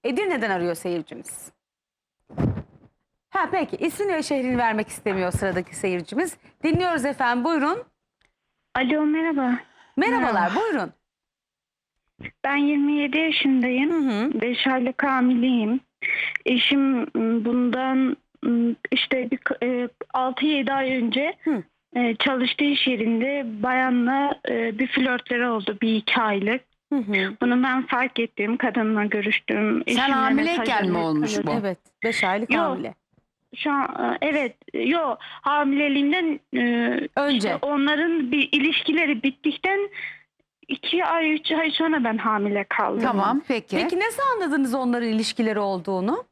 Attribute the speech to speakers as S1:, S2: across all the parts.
S1: Edirne'den arıyor seyircimiz. Ha peki, ismini ve şehrini vermek istemiyor sıradaki seyircimiz. Dinliyoruz efendim, buyurun.
S2: Alo, merhaba.
S1: Merhabalar, buyurun.
S2: Ben 27 yaşındayım.
S1: Hı hı.
S2: 5 aylık hamileyim. Eşim bundan işte 6-7 ay önce
S1: Hı.
S2: çalıştığı iş yerinde bayanla bir flörtleri oldu, 1-2 aylık.
S1: Hı hı.
S2: Bunu ben fark ettim. Kadınla görüştüm.
S3: Sen
S2: Eşimle
S3: hamileyken mi
S2: mesajlarımı
S3: olmuş
S2: yazdım.
S3: bu?
S1: Evet, 5 aylık
S2: Yok.
S1: hamile.
S2: Şu an evet, hamileliğimden
S1: Önce.
S2: işte onların bir ilişkileri bittikten 2 ay 3 ay sonra ben hamile kaldım.
S3: Tamam peki.
S1: Peki nasıl anladınız onların ilişkileri olduğunu?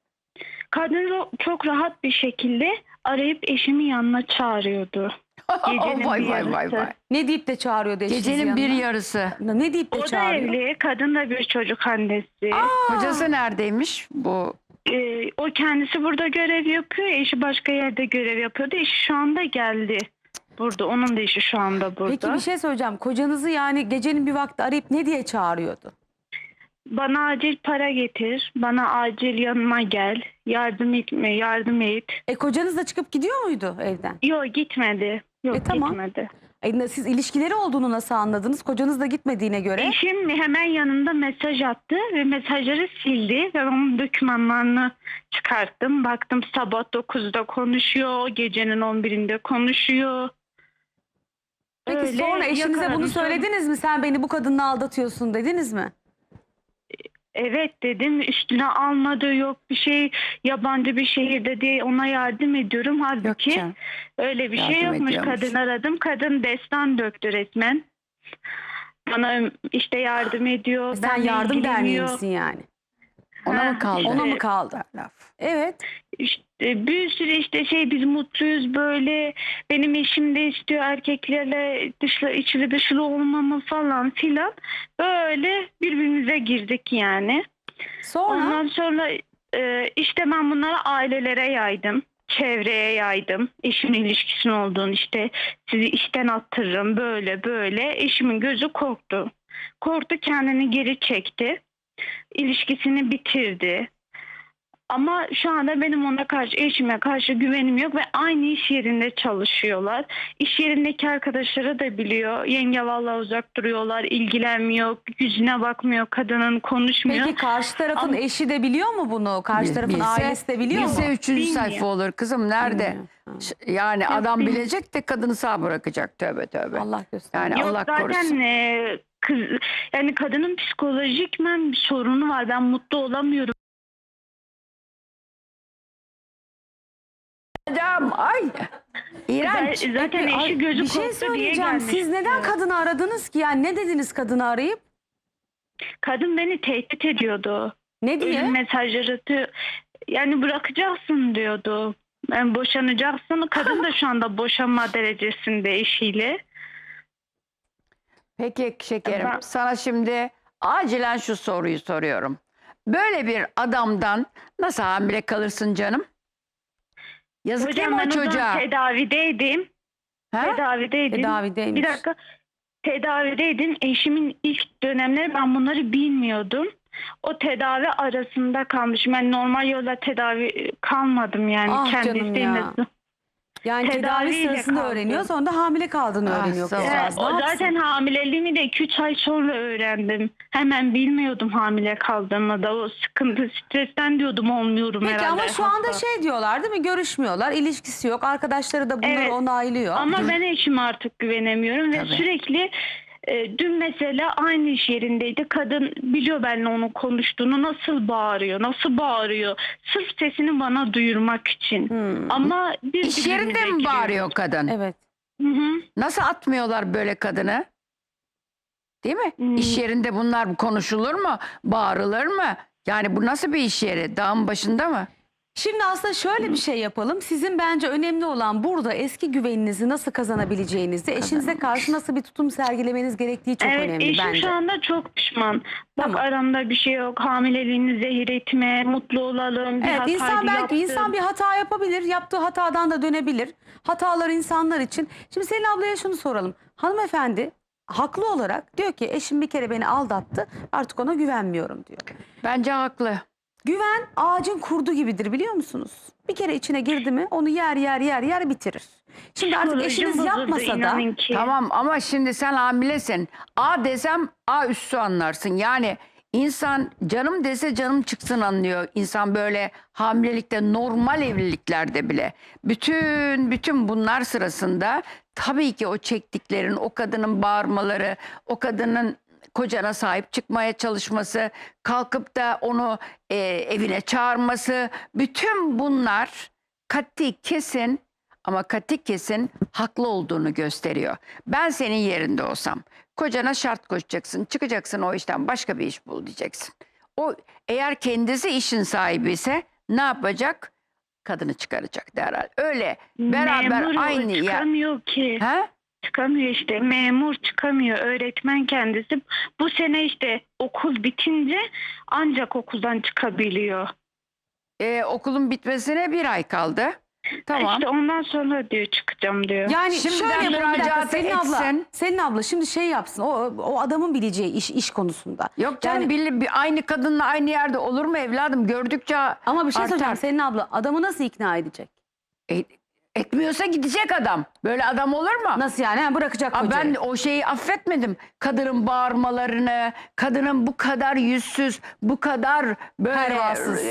S2: Kadın çok rahat bir şekilde arayıp eşimi yanına çağırıyordu. Gecenin
S3: vay
S2: bir
S3: vay vay
S2: yarısı.
S3: vay.
S1: Ne deyip de çağırıyordu eşinizi
S3: Gecenin bir
S1: yanına?
S3: yarısı.
S1: Ne deyip de
S2: O da
S1: çağırıyor?
S2: evli, kadın da bir çocuk annesi.
S3: Kocası neredeymiş bu?
S2: O kendisi burada görev yapıyor, eşi başka yerde görev yapıyordu. Eşi şu anda geldi burada, onun da eşi şu anda burada.
S1: Peki bir şey söyleyeceğim. Kocanızı yani gecenin bir vakti arayıp ne diye çağırıyordu?
S2: Bana acil para getir, bana acil yanıma gel, yardım etme, yardım et.
S1: Kocanız da çıkıp gidiyor muydu evden?
S2: Yok gitmedi, yok
S1: Tamam.
S2: gitmedi.
S1: Siz ilişkileri olduğunu nasıl anladınız? Kocanız da gitmediğine göre.
S2: Eşim hemen yanında mesaj attı ve mesajları sildi ve onun dokümanlarını çıkarttım. Baktım sabah 9'da konuşuyor, gecenin 11'inde konuşuyor.
S1: Peki
S2: Öyle
S1: sonra eşinize bunu
S2: yakaladım.
S1: söylediniz mi? Sen beni bu kadınla aldatıyorsun dediniz mi?
S2: Evet dedim, üstüne almadı, yok bir şey, yabancı bir şehirde diye ona yardım ediyorum. Halbuki
S3: canım.
S2: öyle bir şey
S3: Yardım
S2: yokmuş.
S3: ediyormuş.
S2: Kadın aradım, kadın destan döktü resmen. Bana işte yardım ediyor.
S1: Sen
S2: benimle
S1: yardım derneği
S2: ilgileniyor.
S1: misin yani?
S3: Ona mı kaldı?
S1: Ona mı kaldı?
S3: Laf.
S1: Evet.
S2: İşte bir sürü işte biz mutluyuz böyle, benim eşim de istiyor erkeklerle içli dışlı olmamı falan filan, böyle birbirimize girdik yani.
S1: Sonra
S2: Ondan sonra işte ben bunları ailelere yaydım, çevreye yaydım, eşimin ilişkisinin olduğunu, işte sizi işten attırırım böyle böyle. Eşimin gözü korktu, kendini geri çekti, ilişkisini bitirdi. Ama şu anda benim ona karşı, eşime karşı güvenim yok ve aynı iş yerinde çalışıyorlar. İş yerindeki arkadaşları da biliyor. Yenge vallahi uzak duruyorlar, ilgilenmiyor, yüzüne bakmıyor, kadının konuşmuyor.
S1: peki karşı tarafın
S2: Ama-
S1: eşi de biliyor mu bunu? Karşı tarafın ailesi de biliyor mu?
S3: Bilse 3.
S2: Bilmiyor.
S3: sayfa olur kızım, nerede?
S1: Bilmiyor. Ha.
S3: Yani adam
S2: bilmiyor.
S3: bilecek de kadını sağ bırakacak, tövbe tövbe.
S1: Allah göster.
S3: Yani
S2: Yok
S3: Allah
S2: zaten
S3: korusun.
S2: kız, yani kadının psikolojikmen bir sorunu var. Ben mutlu olamıyorum.
S3: Hocam ay. İğrenç.
S2: Zaten
S1: Ay,
S2: eşi gözü
S1: bir şey
S2: korktu diye
S1: söyleyeceğim.
S2: gelmiş.
S1: Siz neden kadını aradınız ki? Yani ne dediniz kadını arayıp?
S2: Kadın beni tehdit ediyordu.
S1: Ne diye?
S2: Ölüm mesajları yani bırakacaksın diyordu. Yani boşanacaksın. Kadın da şu anda boşanma derecesinde eşiyle.
S3: Peki şekerim,
S2: Ben-
S3: sana şimdi acilen şu soruyu soruyorum. Böyle bir adamdan nasıl hamile kalırsın canım? Yazık değil
S2: Hocam
S3: mi
S2: ben
S3: o
S2: o zaman
S3: çocuğa?
S2: tedavideydim.
S3: Ha?
S1: Tedavideymiş.
S2: Bir dakika. Tedavideydim. Eşimin ilk dönemleri ben bunları bilmiyordum. O tedavi arasında kalmışım. Ben normal yolla tedavi kalmadım yani.
S1: Ah
S2: Kendi
S1: canım
S2: isteğimle.
S1: ya. Yani tedavi
S2: Tedaviyle
S1: sırasında
S2: kaldım.
S1: öğreniyor, sonra da hamile kaldığını
S3: Ah,
S1: öğreniyor
S3: zavallı.
S1: kızcağız. Ne
S2: O
S1: yapsın?
S2: zaten hamileliğimi de 2-3 ay sonra öğrendim. Hemen bilmiyordum hamile kaldığımı da. O sıkıntı, stresten diyordum olmuyorum
S1: Peki
S2: herhalde.
S1: ama şu anda
S2: hasta.
S1: diyorlar değil mi? Görüşmüyorlar, ilişkisi yok. Arkadaşları da bunları
S2: Evet.
S1: onaylıyor.
S2: Ama ben eşime artık güvenemiyorum ve
S3: Tabii.
S2: sürekli dün mesela aynı iş yerindeydi. Kadın biliyor benimle onun konuştuğunu, nasıl bağırıyor. Sırf sesini bana duyurmak için. Ama biz
S3: İş yerinde
S2: birbirimize
S3: mi bağırıyor kadın?
S1: Evet.
S2: Hı.
S3: Nasıl atmıyorlar böyle kadını? Değil mi?
S2: Hmm.
S3: İş yerinde bunlar konuşulur mu? Bağırılır mı? Yani bu nasıl bir iş yeri? Dağın başında mı?
S1: Şimdi aslında şöyle bir şey yapalım. Sizin bence önemli olan burada eski güveninizi nasıl kazanabileceğinizi, eşinize karşı nasıl bir tutum sergilemeniz gerektiği çok
S2: Evet,
S1: önemli
S2: eşim
S1: bence.
S2: şu anda çok pişman. Bak
S1: Tamam.
S2: aramda bir şey yok. Hamileliğini zehir etme, mutlu olalım. Bir
S1: Evet,
S2: hataydı,
S1: insan belki
S2: yaptım.
S1: insan bir hata yapabilir, yaptığı hatadan da dönebilir. Hatalar insanlar için. Şimdi Selin ablaya şunu soralım. Hanımefendi haklı olarak diyor ki eşim bir kere beni aldattı, artık ona güvenmiyorum diyor.
S3: Bence haklı.
S1: Güven ağacın kurdu gibidir, biliyor musunuz? Bir kere içine girdi mi onu yer bitirir. Şimdi artık
S2: Psikolojim
S1: eşiniz
S2: bozuldu,
S1: yapmasa da
S2: inanın ki.
S3: Tamam ama şimdi sen hamilesin. A desem A üssü anlarsın. Yani insan canım dese canım çıksın anlıyor. İnsan böyle hamilelikte, normal evliliklerde bile. Bütün bunlar sırasında tabii ki o çektiklerin, o kadının bağırmaları, o kadının kocana sahip çıkmaya çalışması, kalkıp da onu evine çağırması, bütün bunlar kati kesin ama kati kesin haklı olduğunu gösteriyor. Ben senin yerinde olsam kocana şart koşacaksın, çıkacaksın o işten, başka bir iş bul diyeceksin. O eğer kendisi işin sahibi ise ne yapacak? Kadını çıkaracak derhal. Öyle beraber
S2: Memur
S3: aynı yer.
S2: çıkamıyor ki.
S3: He?
S2: Çıkamıyor işte, memur çıkamıyor, öğretmen kendisi. Bu sene işte okul bitince ancak okuldan çıkabiliyor.
S3: Okulun bitmesine 1 ay kaldı. Tamam.
S2: İşte ondan sonra diyor çıkacağım diyor.
S1: yani
S3: Şimdiden
S1: şöyle yapalım, bir dakika,
S3: müracaat etsin.
S1: Selin abla şimdi şey yapsın, o adamın bileceği iş konusunda.
S3: Yok canım,
S1: Yani,
S3: aynı kadınla aynı yerde olur mu evladım? Gördükçe
S1: ama bir şey söyleyeceğim
S3: artar.
S1: Selin abla, adamı nasıl ikna edecek?
S3: Etmiyorsa gidecek adam. Böyle adam olur mu?
S1: Nasıl yani? Ha, bırakacak
S3: Aa,
S1: kocayı.
S3: ben o şeyi affetmedim. Kadının bağırmalarını, kadının bu kadar yüzsüz, bu kadar böyle
S1: Pervasız.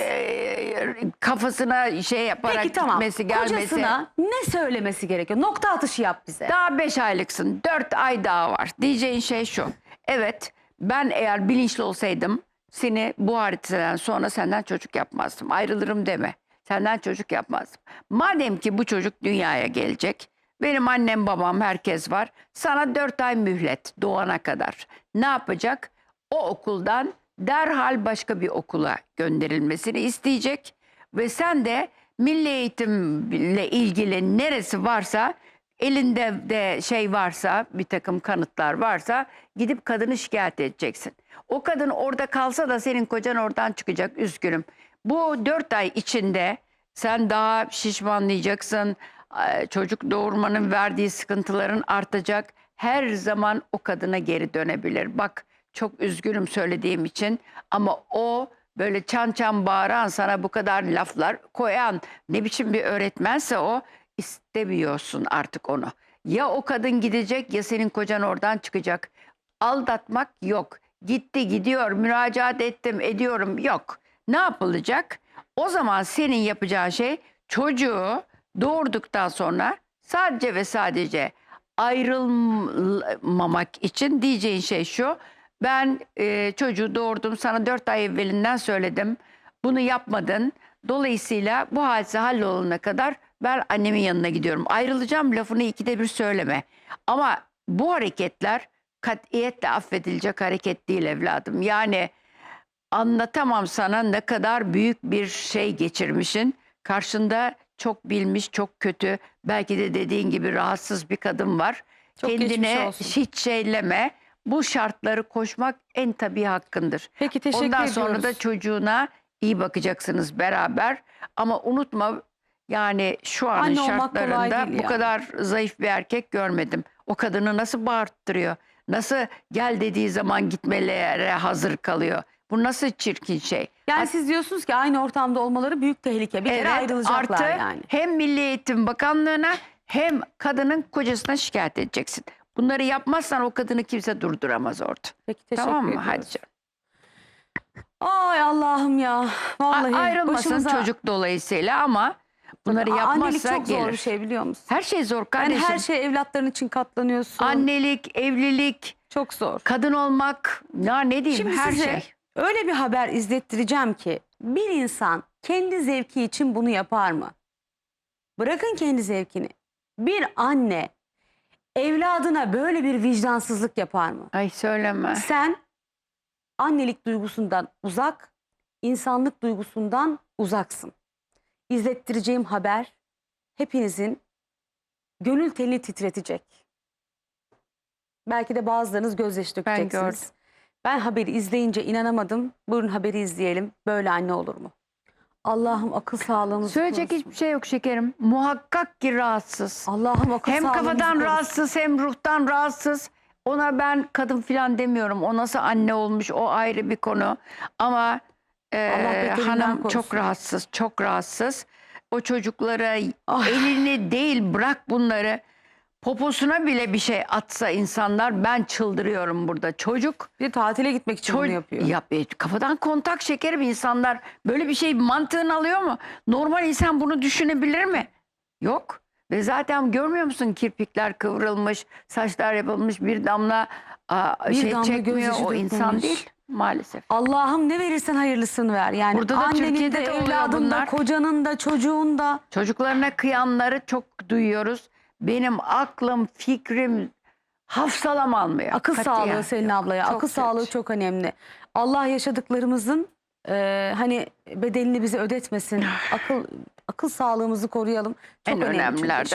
S3: kafasına şey yaparak
S1: Peki tamam,
S3: gitmesi, gelmesi.
S1: kocasına ne söylemesi gerekiyor? Nokta atışı yap bize.
S3: Daha 5 aylıksın. 4 ay daha var. Diyeceğin şey şu. Evet, ben eğer bilinçli olsaydım seni bu hadisadan sonra senden çocuk yapmazdım. Ayrılırım deme. Senden çocuk yapmazdım. Madem ki bu çocuk dünyaya gelecek, benim annem babam herkes var. Sana 4 ay mühlet doğana kadar. Ne yapacak? O okuldan derhal başka bir okula gönderilmesini isteyecek. Ve sen de milli eğitimle ilgili neresi varsa, elinde de şey varsa, bir takım kanıtlar varsa gidip kadını şikayet edeceksin. O kadın orada kalsa da senin kocan oradan çıkacak, üzgünüm. Bu 4 ay içinde sen daha şişmanlayacaksın. Çocuk doğurmanın verdiği sıkıntıların artacak. Her zaman o kadına geri dönebilir. Bak, çok üzgünüm söylediğim için ama o böyle çan çan bağıran, sana bu kadar laflar koyan ne biçim bir öğretmense o, istemiyorsun artık onu. Ya o kadın gidecek ya senin kocan oradan çıkacak. Aldatmak yok. Gitti, gidiyor, müracaat ettim, ediyorum, yok. Ne yapılacak? O zaman senin yapacağın şey, çocuğu doğurduktan sonra sadece ve sadece ayrılmamak için diyeceğin şey şu: ben çocuğu doğurdum, sana 4 ay evvelinden söyledim, bunu yapmadın. Dolayısıyla bu hadise hallolana kadar ben annemin yanına gidiyorum. Ayrılacağım lafını 2'de 1 söyleme. Ama bu hareketler katiyetle affedilecek hareket değil evladım. Yani anlatamam sana ne kadar büyük bir şey geçirmişsin. Karşında çok bilmiş, çok kötü, belki de dediğin gibi rahatsız bir kadın var.
S1: Çok geçmiş
S3: Kendine
S1: olsun.
S3: hiç şeyleme. Bu şartları koşmak en tabii hakkındır.
S1: Peki, teşekkür
S3: Ondan
S1: ediyoruz.
S3: sonra da çocuğuna iyi bakacaksınız beraber. Ama unutma, yani şu anın
S1: Anne olmak kolay
S3: şartlarında
S1: değil
S3: bu
S1: ya.
S3: kadar zayıf bir erkek görmedim. O kadını nasıl bağırttırıyor? Nasıl gel dediği zaman gitmelere hazır kalıyor? Bu nasıl çirkin şey?
S1: Yani siz diyorsunuz ki aynı ortamda olmaları büyük tehlike. Bir kere ayrılacaklar
S3: artı
S1: yani.
S3: hem Milli Eğitim Bakanlığı'na hem kadının kocasına şikayet edeceksin. Bunları yapmazsan o kadını kimse durduramaz orada.
S1: Peki, teşekkür
S3: Tamam mı?
S1: ediyoruz.
S3: Hadi canım.
S1: Ay Allah'ım ya. Vallahi
S3: Ayrılmasın
S1: başımıza-
S3: çocuk dolayısıyla, ama bunları
S1: Annelik
S3: yapmazsa
S1: çok zor
S3: gelir.
S1: bir şey, biliyor musun?
S3: Her şey zor
S1: Yani
S3: kardeşim.
S1: her şey evlatların için katlanıyorsun.
S3: Annelik, evlilik,
S1: Çok zor.
S3: kadın olmak, ya ne diyeyim,
S1: Şimdi
S3: her
S1: size
S3: şey.
S1: öyle bir haber izlettireceğim ki bir insan kendi zevki için bunu yapar mı? Bırakın kendi zevkini. Bir anne evladına böyle bir vicdansızlık yapar mı?
S3: Ay söyleme.
S1: Sen annelik duygusundan uzak, insanlık duygusundan uzaksın. İzlettireceğim haber hepinizin gönül telini titretecek. Belki de bazılarınız gözyaşı dökeceksiniz.
S3: gördüm.
S1: Ben haberi izleyince inanamadım. Buyurun haberi izleyelim. Böyle anne olur mu? Allah'ım akıl sağlığımızı
S3: Söyleyecek
S1: korusun.
S3: hiçbir şey yok şekerim. Muhakkak ki rahatsız.
S1: Allah'ım akıl
S3: Hem
S1: sağlığımızı
S3: kafadan
S1: korusun.
S3: rahatsız hem ruhtan rahatsız. Ona ben kadın falan demiyorum. O nasıl anne olmuş o ayrı bir konu. Ama
S1: beterinden
S3: hanım
S1: korusun.
S3: çok rahatsız, çok rahatsız. O çocuklara
S1: Ah.
S3: elini değil bırak bunları. Poposuna bile bir şey atsa insanlar ben çıldırıyorum burada. Çocuk
S1: Bir tatile gitmek için bunu yapıyor.
S3: kafadan kontak şekerim insanlar böyle bir şey mantığını alıyor mu? Normal insan bunu düşünebilir mi? Yok. Ve zaten görmüyor musun kirpikler kıvrılmış, saçlar yapılmış bir damla
S1: Bir
S3: şey
S1: damla
S3: çekmiyor
S1: gözyaşı
S3: o insan
S1: dökmemiş.
S3: değil maalesef.
S1: Allah'ım ne verirsen hayırlısını ver. Yani
S3: Burada da
S1: annenin
S3: Türkiye'de
S1: de,
S3: de oluyor
S1: evladın da,
S3: bunlar.
S1: kocanın da, çocuğun da.
S3: Çocuklarına kıyanları çok duyuyoruz. Benim aklım, fikrim hafsalam almıyor.
S1: Akıl
S3: Katiyen.
S1: sağlığı Selin ablaya.
S3: Çok
S1: Akıl
S3: kötü.
S1: sağlığı çok önemli. Allah yaşadıklarımızın hani bedelini bize ödetmesin. Akıl sağlığımızı koruyalım. Çok
S3: En
S1: önemli. Çünkü
S3: önemlilerden